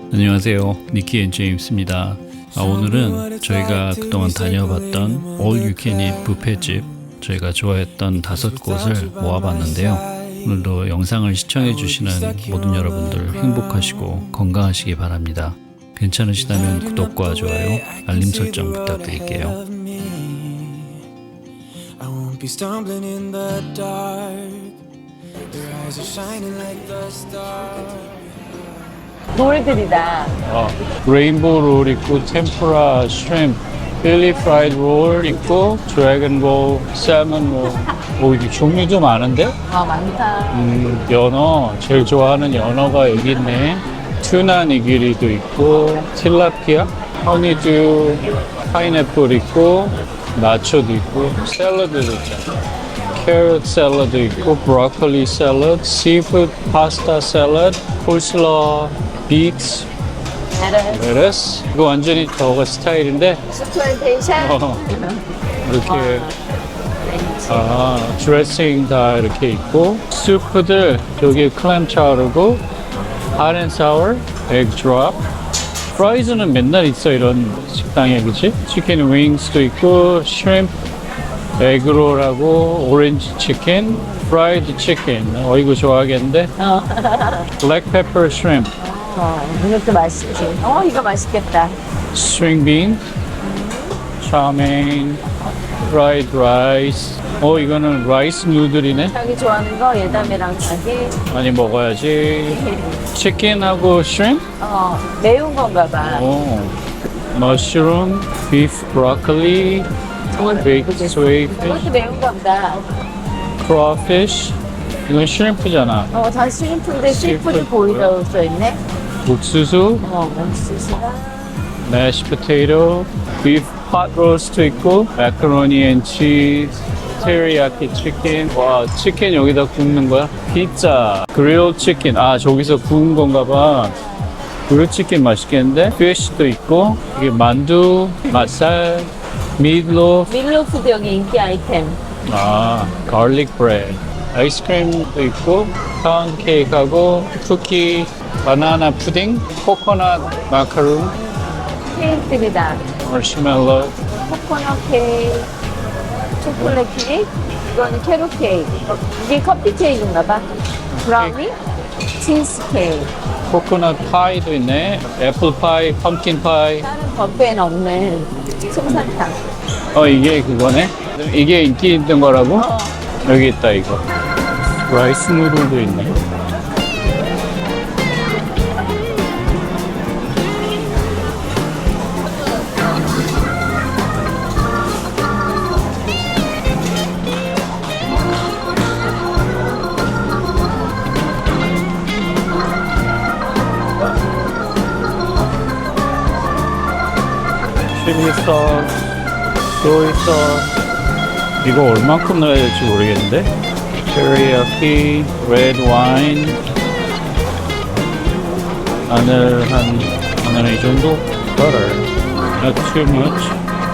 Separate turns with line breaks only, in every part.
안녕하세요. 니키 앤 제임스입니다. 오늘은 저희가 그동안 다녀봤던 All You Can Eat 뷔페집 저희가 좋아했던 5곳을 모아봤는데요. 오늘도 영상을 시청해주시는 모든 여러분들 행복하시고 건강하시기 바랍니다. 괜찮으시다면 구독과 좋아요, 알림 설정 부탁드릴게요.
Be stumbling in the dark. Your eyes are shining like the stars.
롤들이다.
레인보우 롤 있고 템프라 슈림프, 필리 프라이드 롤 있고 드래곤 롤, 살몬 롤. 오, 이게 종류도 많은데?
많다.
연어, 제일 좋아하는 연어가 여기 있네. 튜나 니기리도 있고 틸라피아, 허니듀, 파인애플 있고 나초도 있고 샐러드도 있잖아. 캐럿 샐러드 있고 브로콜리 샐러드, 시푸드 파스타 샐러드, 콜슬러, 비트, 레터스. 이거 완전히 저거 스타일인데
스플레이테이션.
이렇게 드레싱 다 이렇게 있고 수프들 저기 클램 차우르고 핫앤사워, 에그 드롭. 프라이즈는 맨날 있어 이런 식당에, 그치? 치킨 윙스도 있고 슈림프, 에그롤하고 오렌지 치킨, 프라이드 치킨. 이거 좋아하겠는데? 블랙 페퍼 슈림프,
이것도 맛있지. 이거 맛있겠다.
스트링 빈, 차메인, 프라이드 라이스. 이거는 라이스 누들이네.
자기 좋아하는 거 예담이랑 자기.
많이 먹어야지. 치킨하고 슈림프?
매운 건가 봐.
머쉬룸, 비프 브로콜리, 베이크 스웨이피쉬,
이것도 매운가 보다.
크로피쉬. 이건 슈림프잖아.
다 시림프인데 시푸드 보이라고 써있네.
옥수수,
옥수수랑.
매쉬 포테이토, 비프 팟 로스트 있고 마카로니 앤 치즈, 테리야키 치킨. 와, 치킨 여기다 굽는 거야? 피자, 그릴 치킨. 저기서 구운 건가 봐. 그릴 치킨 맛있겠는데? 피쉬도 있고, 이게 만두, 맛살, 미트로프,
밀로푸드 여기 인기 아이템.
garlic bread. 아이스크림도 있고, 파운드 케이크하고, 쿠키, 바나나 푸딩, 코코넛 마카롱,
케이크들이다.
마시멜로,
코코넛 케이크, 초콜릿 케이크, 이거는 캐럿 케이크. 이게 커피 케이크인가 봐. 브라우니, 치즈 케이크.
코코넛 파이도 있네. 애플 파이, 펌킨 파이.
다른 뷔페는 없는 솜사탕.
이게 그거네. 이게 인기 있는 거라고? 여기 있다, 이거. 라이스 누들도 있네. 칠리 소스, 소이 소스. 이거 얼만큼 넣어야 될지 모르겠는데. 테리야키, 레드 와인. 마늘 이 정도? Butter, not too much.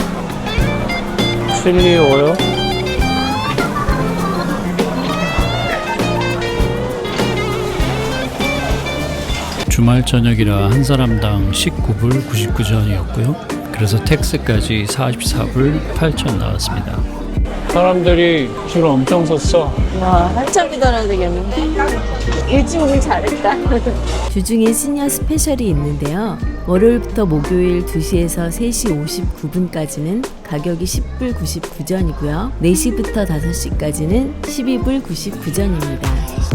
칠리 오일. 주말 저녁이라 한 사람당 19불 99전이었고요. 그래서 텍스까지 44불 8천 나왔습니다. 사람들이 줄 엄청 섰어.
와, 한참 기다려야 되겠는데. 일찍 오길 잘했다.
주중에 시니어 스페셜이 있는데요. 월요일부터 목요일 2시에서 3시 59분까지는 가격이 10불 99전이고요. 4시부터 5시까지는 12불 99전입니다.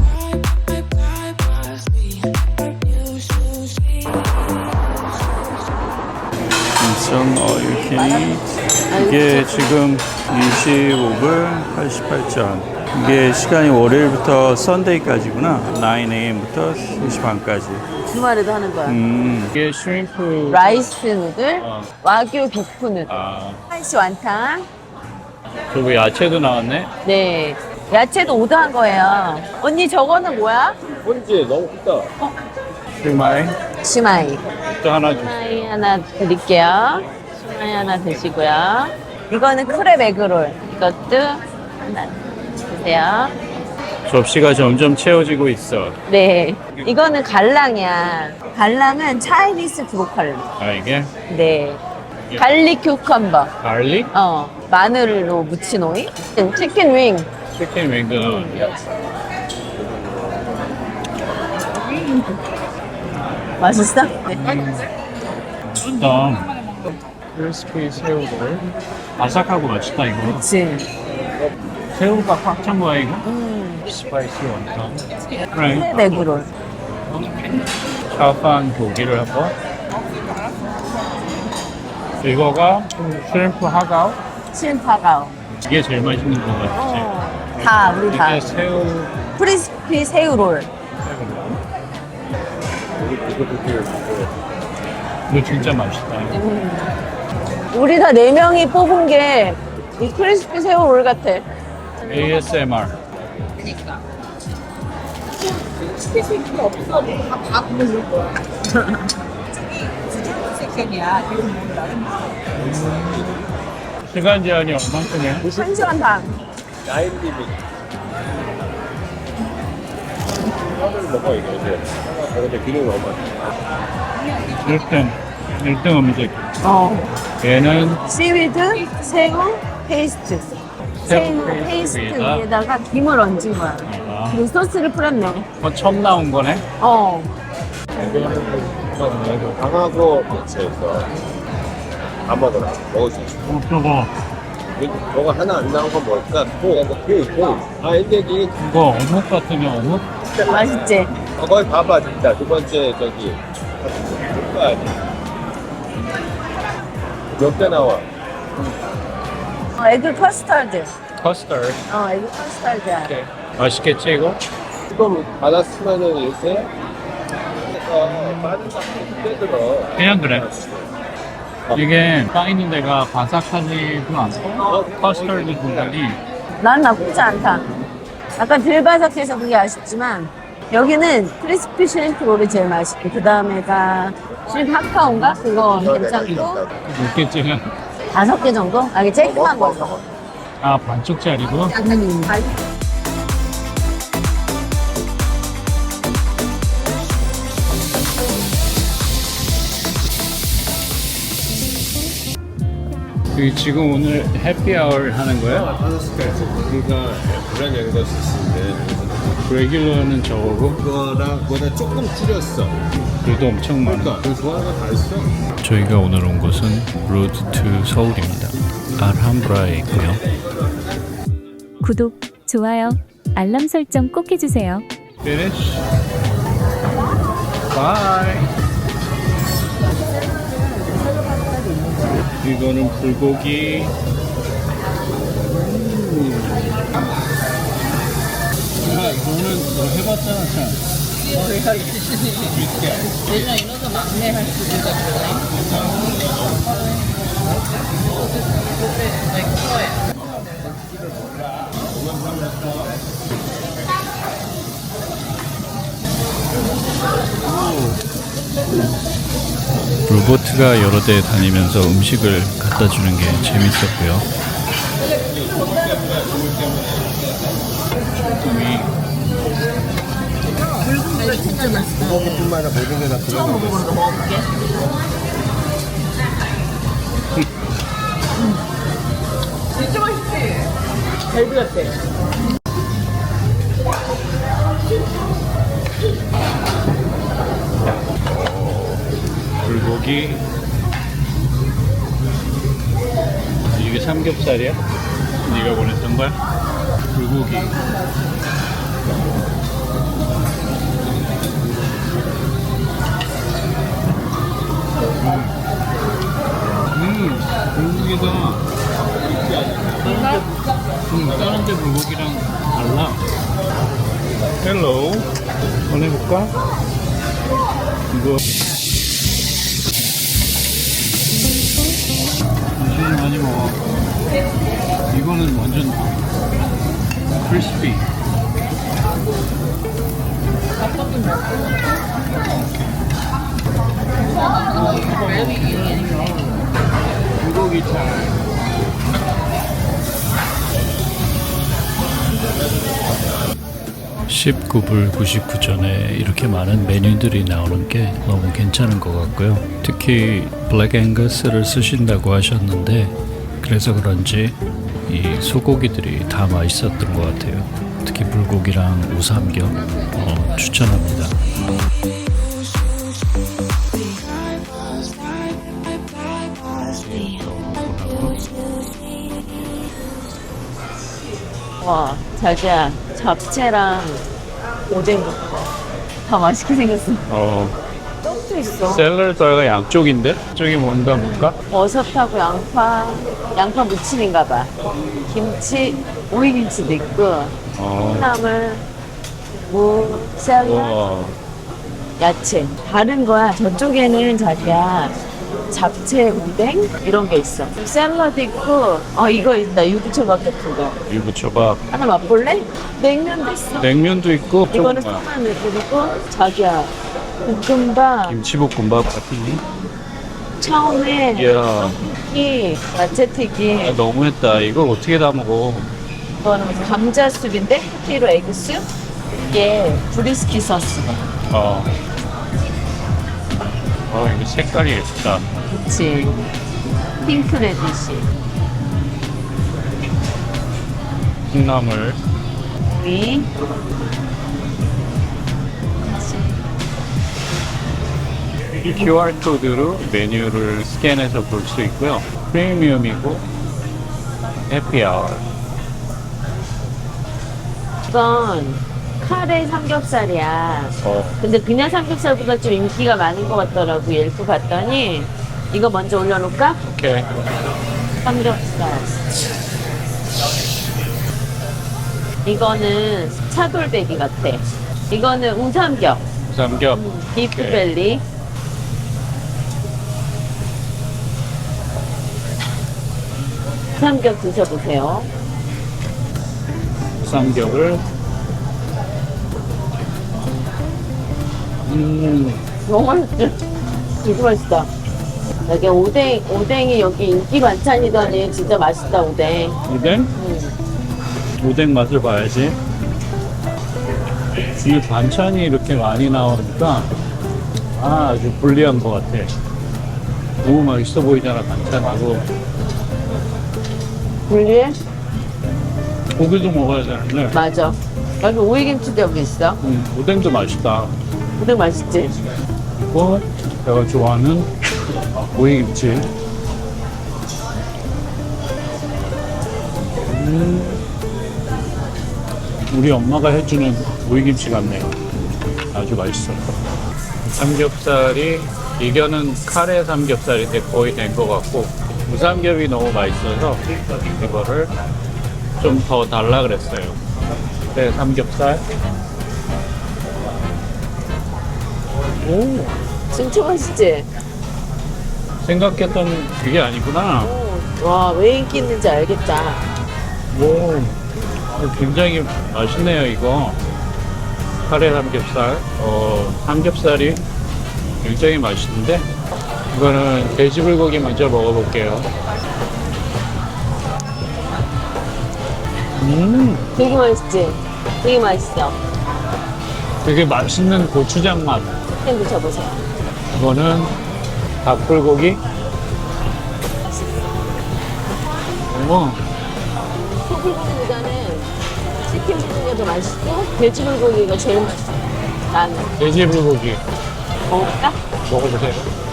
All you can eat. 이게 지금 25불 88전. 이게 시간이 월요일부터 썬데이까지구나. 9am부터 3시 반까지.
주말에도 하는 거야.
이게 슈림프
라이스 누들, 와규 비프 누들, 한시 완탕.
그리고 야채도 나왔네.
네. 야채도 오더한 거예요. 언니 저거는 뭐야?
뭔지 너무 크다. 슈마이
시마이.
또 하나 주.
시마이 하나 드릴게요. 시마이 하나 드시고요. 이거는 크랩 에그롤. 이것도 하나 드세요.
접시가 점점 채워지고 있어.
네. 이거는 갈랑이야. 갈랑은 차이니스 브로콜리.
아, 이게?
네. 갈릭 큐컴버.
갈릭?
마늘로 무친 오이. 치킨 윙.
치킨 윙도 넣었는데.
맛있어? 네.
일단 크리스피 새우를 바삭하고 맛있다 이거.
그치.
새우가 꽉 찬 거야 이거? 스파이시 원탕. 그래.
네그롤.
샤판 고기를 하고. 이거가 슈림프 하가오.
신파가오.
이게 제일 맛있는 거 같지?
다, 우리 다.
이게 새우.
크리스피 새우롤.
이거 진짜 맛있다.
우리 다 4명이 뽑은 게 이 크리스피 새우롤 같아.
ASMR. 시간 제한이 얼마큼이야?
1시간 반.
먹어 이거 이제. 근데 기름 너무 많아.
1등 음식. 얘는
씨위드, 새우, 페이스트. 새우 페이스트 위에다가 김을 얹은 거야. 그리고 소스를 뿌렸네.
처음 나온 거네.
강하고 대체해서 안 먹어라. 먹을 수 있어.
저거
너가 하나 안 나온 건 뭘까? 이게
이거 어묵 같으면 어묵?
맛있지?
거기 봐봐 진짜 두 번째 저기 볼거야 몇 개 나와?
에그 커스터드.
커스터드.
에그 커스터드야.
맛있겠지 이거?
지금 받았으면은 요새 빠른 거 크게 들어.
그냥 그래. 이게 빠 있는 데가 바삭하지도 않고 커스터드 분갈이
난 나쁘지 않다. 약간 덜 바삭해서 그게 아쉽지만 여기는 크리스피 슈림프 롤이 제일 맛있고 그 다음에가 슈림프 하카온가? 그거 괜찮고
몇 개째야?
5개 정도? 이게 쬐끔한 걸로.
아 반쪽짜리고? 여기 지금 오늘 해피아워 하는 거야?
그러니까 그런 양도 있는데
레귤러는 저거고
그거랑 그거보다 조금 줄였어.
그래도 엄청 많아.
그러니까 그 좋아하는 거 다 있어.
저희가 오늘 온 곳은 로드 투 서울입니다. 알함브라에 있고요.
구독, 좋아요, 알람 설정 꼭 해주세요.
Finish. Bye. 이거는 불고기. 야, 이거는 너 해봤잖아, 참.
로보트가 여러 대 다니면서 음식을 갖다 주는 게 재밌었고요.
고기뿐만 아니라 모든 게 다 들어가 있어.
불고기. 이게 삼겹살이야? 네가 원했던 거야? 불고기. 불고기가 다른 데 불고기랑 달라. 헬로. 꺼내볼까? 이거 당신은 많이 먹어. 이거는 완전 크리스피. 불고기 차.
19불 99전에 이렇게 많은 메뉴들이 나오는 게 너무 괜찮은 것 같고요. 특히 블랙 앵거스를 쓰신다고 하셨는데 그래서 그런지 이 소고기들이 다 맛있었던 것 같아요. 특히 불고기랑 우삼겹 추천합니다.
와, 자기야, 잡채랑 오뎅 다 맛있게 생겼어. 떡도 있어.
샐러드가 양쪽인데? 쪽이 뭔가?
버섯하고 양파 무침인가 봐. 김치, 오이김치도 있고, 콩나물, 무, 샐러드, 야채. 다른 거야. 저쪽에는 자기야, 잡채, 오뎅 이런 게 있어. 샐러드 있고, 이거 있다. 유부초밥 같은 거.
유부초밥.
하나 맛볼래? 냉면도 있어.
냉면도 있고.
이거는 콩나물 그리고 자기야, 볶음밥.
김치볶음밥 같은.
처음에
이야.
떡볶이, 야채튀김.
너무했다. 이걸 어떻게 다 먹어?
이거는 감자숲인데 포테이토 에그숲. 이게 브리스키 소스네.
이거 색깔이 예쁘다.
그치. 핑크 레디시.
콩나물.
오이.
이 QR 코드로 메뉴를 스캔해서 볼 수 있고요. 프리미엄이고 해피아워.
이건 카레 삼겹살이야. 근데 그냥 삼겹살보다 좀 인기가 많은 것 같더라고. 옐프 봤더니 이거 먼저 올려놓을까?
오케이.
삼겹살. 이거는 차돌배기 같아. 이거는 우삼겹.
삼겹.
비프벨리. 우삼겹 드셔보세요.
삼겹을.
너무 맛있지? 되게 맛있다. 여기 오뎅이 여기 인기 반찬이더니 진짜 맛있다, 오뎅.
오뎅? 오뎅 맛을 봐야지. 이 반찬이 이렇게 많이 나오니까 아주 불리한 것 같아. 너무 맛있어 보이잖아, 반찬하고.
분리해?
고기도 먹어야 되는데.
맞아. 여기 오이김치도 여기 있어.
오뎅도 맛있다.
오뎅 맛있지?
그리고 내가 좋아하는 오이김치. 우리 엄마가 해주는 오이김치 같네요. 아주 맛있어. 삼겹살이 이거는 카레 삼겹살이 거의 된 것 같고 무삼겹이 너무 맛있어서 이거를 좀 더 달라 그랬어요. 네, 삼겹살. 오,
진짜 맛있지?
생각했던 그게 아니구나.
와, 왜 인기 있는지 알겠다.
오, 굉장히 맛있네요, 이거. 카레 삼겹살. 삼겹살이 굉장히 맛있는데, 이거는 돼지불고기 먼저 먹어볼게요.
되게 맛있지? 되게 맛있어.
되게 맛있는 고추장 맛.
햄 드셔보세요.
이거는 닭불고기.
소불고기보다는 치킨 불고기가 더 맛있고 돼지불고기가 제일 맛있어. 나는.
돼지불고기.
먹을까?
먹어보세요.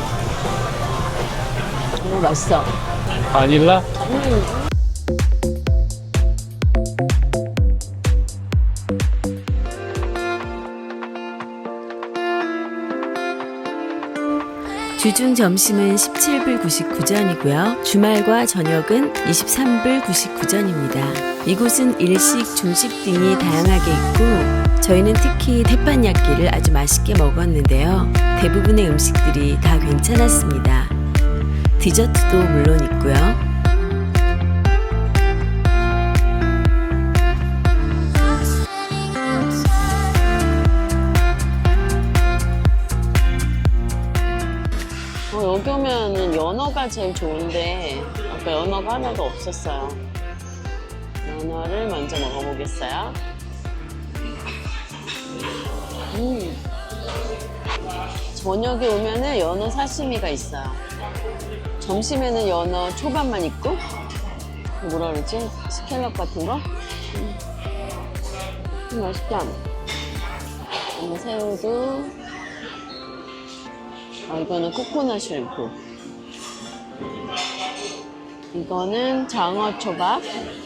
너무 맛있어.
바닐라?
주중 점심은 17불 99전이고요. 주말과 저녁은 23불 99전입니다. 이곳은 일식, 중식 등이 다양하게 있고 저희는 특히 태판야끼를 아주 맛있게 먹었는데요. 대부분의 음식들이 다 괜찮았습니다. 디저트도 물론 있고요.
여기 오면은 연어가 제일 좋은데 아까 연어가 하나도 없었어요. 연어를 먼저 먹어보겠어요. 저녁에 오면은 연어 사시미가 있어요. 점심에는 연어 초밥만 있고, 뭐라 그러지? 스캘럽 같은 거? 맛있다. 연어 새우도. 이거는 코코넛 쉘프. 이거는 장어 초밥.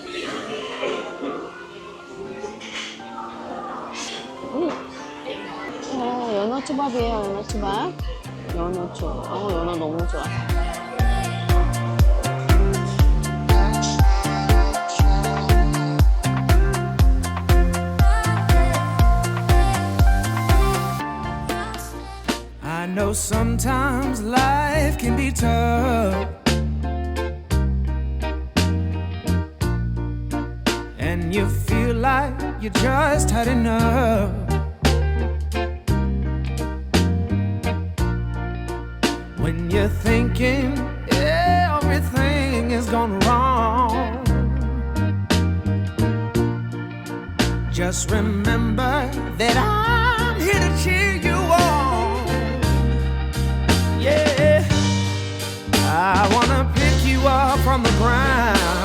연어 초밥이에요, 연어 초밥. 연어 초밥. 연어 너무 좋아.
I know sometimes life can be tough, and you feel like you just had enough. When you're thinking everything is gone wrong, just remember that I'm here to cheer you